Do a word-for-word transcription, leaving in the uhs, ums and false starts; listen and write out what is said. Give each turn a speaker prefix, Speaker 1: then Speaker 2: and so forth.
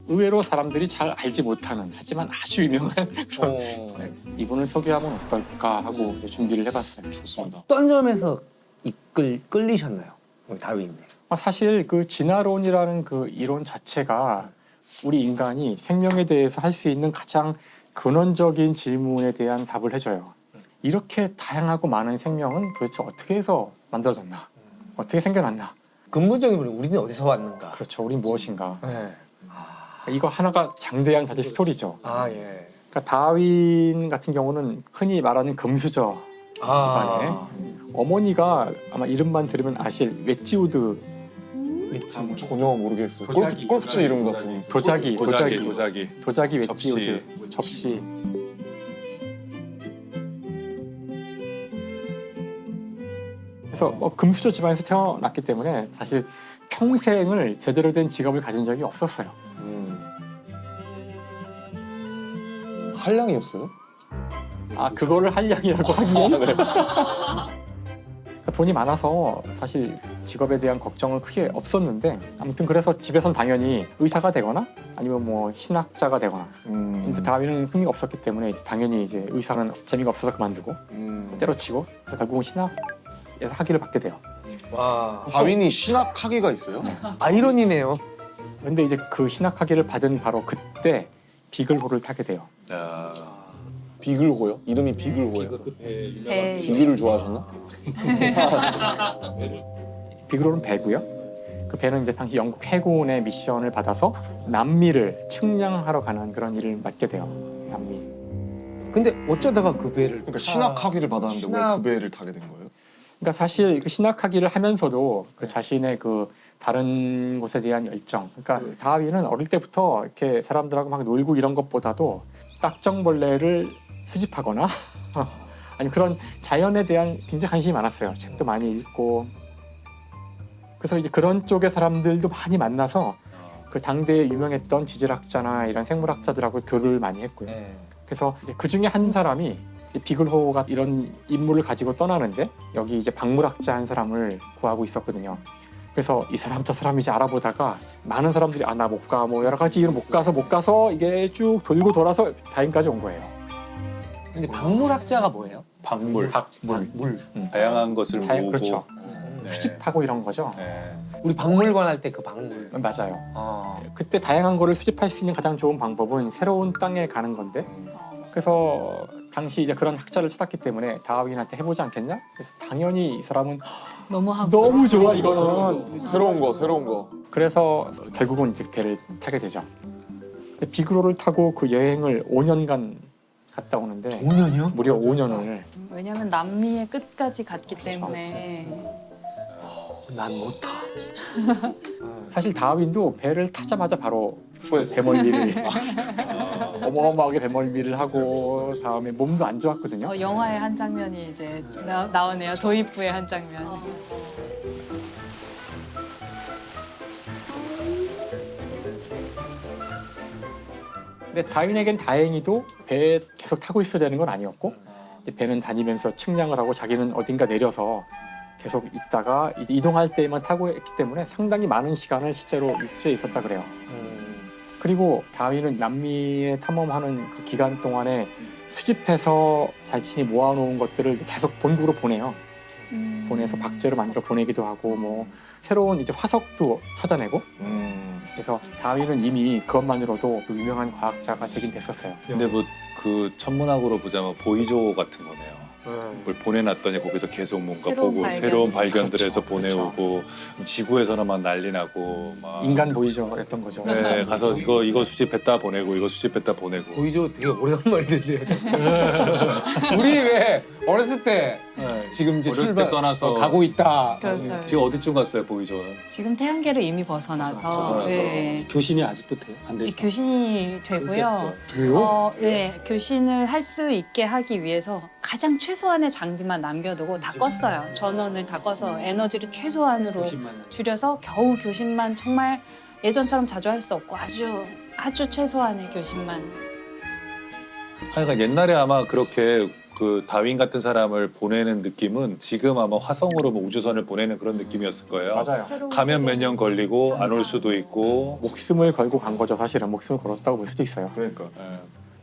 Speaker 1: 의외로 사람들이 잘 알지 못하는 하지만 아주 유명한 그런
Speaker 2: 어.
Speaker 1: 네, 이분을 소개하면 어떨까 하고 이제 준비를 해봤어요.
Speaker 3: 좋습니다.
Speaker 2: 어떤 점에서 이끌 끌리셨나요, 우리 다윈님?
Speaker 1: 아, 사실 그 진화론이라는 그 이론 자체가 우리 인간이 생명에 대해서 할 수 있는 가장 근원적인 질문에 대한 답을 해줘요. 이렇게 다양하고 많은 생명은 도대체 어떻게 해서 만들어졌나? 어떻게 생겨났나?
Speaker 2: 근본적인 우리 우리는 어디서 왔는가?
Speaker 1: 그렇죠. 우린 무엇인가?
Speaker 2: 네.
Speaker 1: 이거 하나가 장대한 사실 스토리죠.
Speaker 2: 아 예.
Speaker 1: 그러니까 다윈 같은 경우는 흔히 말하는 금수저
Speaker 2: 아.
Speaker 1: 집안에 어머니가 아마 이름만 들으면 아실 웨지우드
Speaker 2: 웨지.
Speaker 3: 뭐 전혀 모르겠어요.
Speaker 1: 도자기,
Speaker 3: 골프, 골프채 이름 같은.
Speaker 1: 도자기,
Speaker 4: 도자기,
Speaker 1: 도자기,
Speaker 4: 도자기.
Speaker 1: 도자기
Speaker 4: 접시.
Speaker 1: 웨지우드 접시. 그래서 뭐 금수저 집안에서 태어났기 때문에 사실 평생을 제대로 된 직업을 가진 적이 없었어요.
Speaker 3: 음. 한량이었어요?
Speaker 1: 아 그거를 한량이라고 하기엔 그러니까 돈이 많아서 사실 직업에 대한 걱정은 크게 없었는데 아무튼 그래서 집에선 당연히 의사가 되거나 아니면 뭐 신학자가 되거나
Speaker 3: 음.
Speaker 1: 근데 다윈은 흥미가 없었기 때문에 이제 당연히 이제 의사는 재미가 없어서 그만두고
Speaker 3: 음.
Speaker 1: 때려치고 그래서 결국은 신학에서 학위를 받게 돼요.
Speaker 2: 와.
Speaker 3: 다윈이 신학 학위가 있어요?
Speaker 2: 아이러니네요.
Speaker 1: 근데 이제 그 신학 학위를 받은 바로 그때 비글호를 타게 돼요.
Speaker 4: 야,
Speaker 3: 비글호요? 이름이 비글호예요?
Speaker 5: 배
Speaker 3: 비글을 좋아하셨나?
Speaker 1: 비글호는 배고요. 그 배는 이제 당시 영국 해군의 미션을 받아서 남미를 측량하러 가는 그런 일을 맡게 돼요. 남미.
Speaker 2: 근데 어쩌다가 그 배를
Speaker 3: 그러니까
Speaker 2: 타-
Speaker 3: 신학 학위를 받았는데 왜
Speaker 2: 신학-
Speaker 3: 그 배를 타게 된 거예요?
Speaker 1: 그러니까 사실 그 신학하기를 하면서도 그 자신의 그 다른 곳에 대한 열정. 그러니까 다윈은 어릴 때부터 이렇게 사람들하고 막 놀고 이런 것보다도 딱정벌레를 수집하거나 아니 그런 자연에 대한 굉장히 관심이 많았어요. 책도 많이 읽고. 그래서 이제 그런 쪽의 사람들도 많이 만나서 그 당대에 유명했던 지질학자나 이런 생물학자들하고 교류를 많이 했고요.
Speaker 2: 네.
Speaker 1: 그래서 이제 그 중에 한 사람이 이 비글호가 이런 임무를 가지고 떠나는데 여기 이제 박물학자 한 사람을 구하고 있었거든요. 그래서 이 사람 저 사람 이제 알아보다가 많은 사람들이 아 나 못 가 뭐 여러 가지 이유로 못 가서 못 가서 이게 쭉 돌고 돌아서 다인까지 온 거예요.
Speaker 2: 근데 박물학자가 뭐예요?
Speaker 4: 박물.
Speaker 1: 박물
Speaker 2: 물.
Speaker 4: 다양한 것을
Speaker 1: 다양-
Speaker 4: 모으고.
Speaker 1: 그렇죠.
Speaker 4: 네.
Speaker 1: 수집하고 이런 거죠.
Speaker 4: 네.
Speaker 2: 우리 박물관 할 때 그 박물.
Speaker 1: 맞아요.
Speaker 2: 아.
Speaker 1: 그때 다양한 거를 수집할 수 있는 가장 좋은 방법은 새로운 땅에 가는 건데 그래서 당시 이제 그런 학자를 찾았기 때문에 다윈한테 해보지 않겠냐? 그래서 당연히 이 사람은
Speaker 5: 너무 하고
Speaker 1: 너무 좋아 이거는.
Speaker 3: 새로운 거, 새로운 거.
Speaker 1: 그래서 결국은 이제 배를 타게 되죠. 근데 비그로를 타고 그 여행을 오 년간 갔다 오는데
Speaker 2: 오 년이요?
Speaker 1: 무려 오 년을
Speaker 5: 왜냐면 남미의 끝까지 갔기
Speaker 1: 그렇죠.
Speaker 5: 때문에
Speaker 2: 난 못 타.
Speaker 1: 사실 다윈도 배를 타자마자 바로 배멀미를 어마어마하게 배멀미를 하고 다음에 몸도 안 좋았거든요.
Speaker 5: 어, 영화의 한 장면이 이제 나, 나오네요. 도입부의 한 장면.
Speaker 1: 근데 다윈에겐 다행히도 배에 계속 타고 있어야 되는 건 아니었고 이제 배는 다니면서 측량을 하고 자기는 어딘가 내려서 계속 있다가 이제 이동할 때만 타고 했기 때문에 상당히 많은 시간을 실제로 육지에 있었다 그래요.
Speaker 2: 음.
Speaker 1: 그리고 다윈은 남미에 탐험하는 그 기간 동안에 수집해서 자신이 모아놓은 것들을 이제 계속 본국으로 보내요.
Speaker 5: 음.
Speaker 1: 보내서 박제로 만들어 보내기도 하고 뭐 새로운 이제 화석도 찾아내고
Speaker 3: 음.
Speaker 1: 그래서 다윈은 이미 그것만으로도 그 유명한 과학자가 되긴 됐었어요.
Speaker 4: 근데 뭐 그 천문학으로 보자면 보이조 같은 거네요.
Speaker 2: 네.
Speaker 4: 뭘 보내놨더니 거기서 계속 뭔가
Speaker 5: 새로운
Speaker 4: 보고
Speaker 5: 발견.
Speaker 4: 새로운 발견들 해서
Speaker 1: 그렇죠,
Speaker 4: 보내오고 지구에서는 막 난리 나고 막
Speaker 1: 인간 보이저였던 거죠.
Speaker 4: 네, 가서 이거 이거 수집했다 보내고 이거 수집했다 보내고
Speaker 2: 보이죠? 되게 오래간만에 들려요. 우리 왜 어렸을 때
Speaker 4: 네,
Speaker 2: 지금 이제
Speaker 4: 어렸을
Speaker 2: 출발
Speaker 4: 때 떠나서
Speaker 2: 어, 가고 있다.
Speaker 5: 그렇죠.
Speaker 4: 지금 어디쯤 갔어요 보이조는?
Speaker 5: 지금 태양계를 이미 벗어나서,
Speaker 4: 벗어나서.
Speaker 5: 네.
Speaker 1: 교신이 아직도 돼요? 안
Speaker 5: 이
Speaker 1: 돼요?
Speaker 5: 교신이 되고요.
Speaker 1: 돼요?
Speaker 5: 어, 네, 교신을 할 수 있게 하기 위해서 가장 최소한의 장비만 남겨두고 다 껐어요. 전원을 다 꺼서 에너지를 최소한으로 줄여서 겨우 교신만 정말 예전처럼 자주 할 수 없고 아주 아주 최소한의 교신만.
Speaker 4: 그러니까 옛날에 아마 그렇게 그 다윈 같은 사람을 보내는 느낌은 지금 아마 화성으로 뭐 우주선을 보내는 그런 느낌이었을 거예요.
Speaker 1: 맞아요.
Speaker 5: 새로운
Speaker 4: 가면 몇
Speaker 5: 세계.
Speaker 4: 년 걸리고 안 올 수도 있고.
Speaker 1: 목숨을 걸고 간 거죠. 사실은 목숨을 걸었다고 볼 수도 있어요.
Speaker 2: 그러니까. 예.